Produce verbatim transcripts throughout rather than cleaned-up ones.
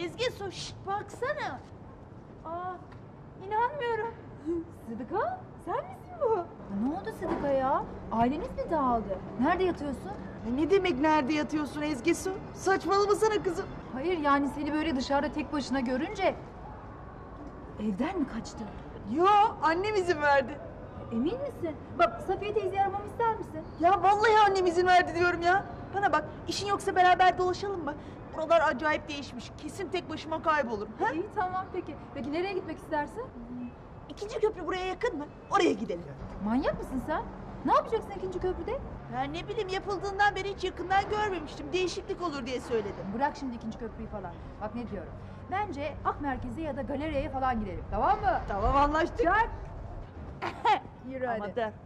Ezgi Su, şşt, baksana. Aa, inanmıyorum. Sıdıka, sen misin bu? Ne oldu Sıdıka ya? Aileniz mi dağıldı? Nerede yatıyorsun? Ne demek nerede yatıyorsun Ezgi Su? Saçmalamasana kızım. Hayır yani seni böyle dışarıda tek başına görünce... Evden mi kaçtın? Yo, annem izin verdi. Emin misin? Bak Safiye teyzeyi aramamı ister misin? Ya vallahi annem izin verdi diyorum ya. Bana bak, işin yoksa beraber dolaşalım mı? Buralar acayip değişmiş. Kesin tek başıma kaybolurum. Ha? İyi tamam peki. Peki nereye gitmek istersin? İkinci köprü buraya yakın mı? Oraya gidelim. Manyak mısın sen? Ne yapacaksın ikinci köprüde? Ya ne bileyim, yapıldığından beri hiç yakından görmemiştim. Değişiklik olur diye söyledim. Bırak şimdi ikinci köprüyü falan. Bak ne diyorum. Bence Ak Merkez'e ya da galeriye falan gidelim. Tamam mı? Tamam, anlaştık. Çak. Yürü hadi. Ama da.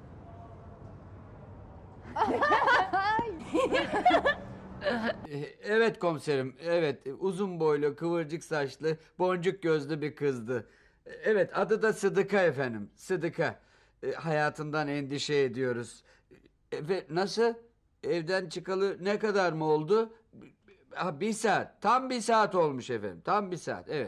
Evet komiserim, evet. Uzun boylu, kıvırcık saçlı, boncuk gözlü bir kızdı. Evet, adı da Sıdıka efendim, Sıdıka. E, hayatından endişe ediyoruz. E, ve nasıl? Evden çıkalı ne kadar mı oldu? Ha, bir saat, tam bir saat olmuş efendim, tam bir saat, evet.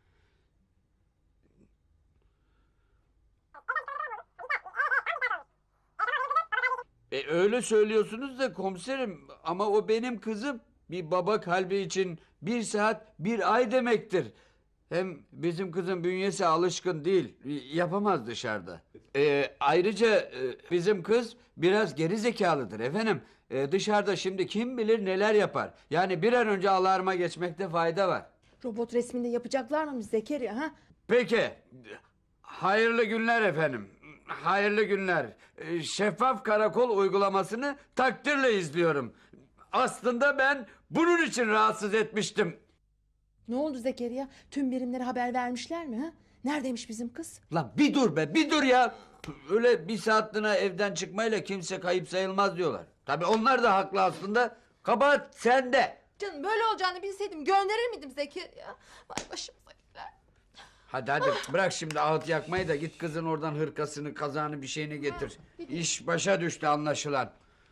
E, öyle söylüyorsunuz da komiserim, ama o benim kızım. Bir baba kalbi için bir saat bir ay demektir. Hem bizim kızın bünyesi alışkın değil, yapamaz dışarıda. E, ayrıca e, bizim kız biraz geri zekalıdır efendim. E, dışarıda şimdi kim bilir neler yapar. Yani bir an önce alarma geçmekte fayda var. Robot resminde yapacaklar mı Zekeriya ha? Peki, hayırlı günler efendim. Hayırlı günler. Ee, Şeffaf karakol uygulamasını takdirle izliyorum. Aslında ben bunun için rahatsız etmiştim. Ne oldu Zekeriya? Tüm birimlere haber vermişler mi ha? Neredeymiş bizim kız? Lan bir dur be, bir dur ya. Öyle bir saatliğine evden çıkmayla kimse kayıp sayılmaz diyorlar. Tabii onlar da haklı aslında. Kabahat sende. Canım böyle olacağını bilseydim gönderir miydim Zekeriya? Vay başımıza gider. Hadi hadi bırak şimdi ağıt yakmayı da git kızın oradan hırkasını, kazağını, bir şeyini getir. İş başa düştü anlaşılan.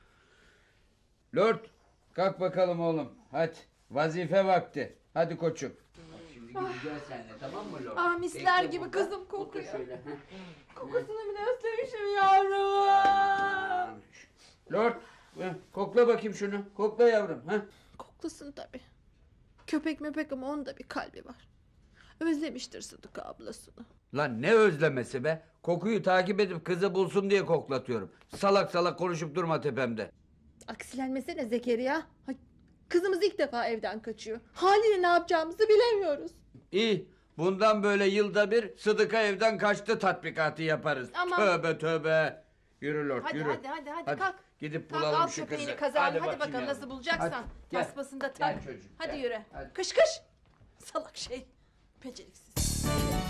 Lord, kalk bakalım oğlum. Hadi vazife vakti. Hadi koçum. Şimdi gideceğiz seninle, tamam mı Lord? Ah, misler Bekle gibi burada. kızım Otur kokuyor. şöyle, heh. Kokusunu bile özlemişim yavrum. Lord, heh, kokla bakayım şunu. Kokla yavrum. Heh. Koklasın tabii. Köpek mepek ama onun da bir kalbi var. Özlemiştir Sıdıka ablasını. Lan ne özlemesi be? Kokuyu takip edip kızı bulsun diye koklatıyorum. Salak salak konuşup durma tepemde. Aksilenmesene Zekeriya. Ay, kızımız ilk defa evden kaçıyor. Haliyle ne yapacağımızı bilemiyoruz. İyi. Bundan böyle yılda bir Sıdıka evden kaçtı tatbikatı yaparız. Aman. Tövbe tövbe. Yürü Lord, Hadi yürü. hadi hadi hadi, kalk. Gidip Kalk, bulalım al şu köpeğini, kızı. kazağını. Hadi, bakayım bakalım yavrum. nasıl bulacaksan. Hadi, gel. Tasmasını da tak. Gel çocuğum, Hadi gel. yürü. Hadi. Kış kış. Salak şey. Beceriksiz.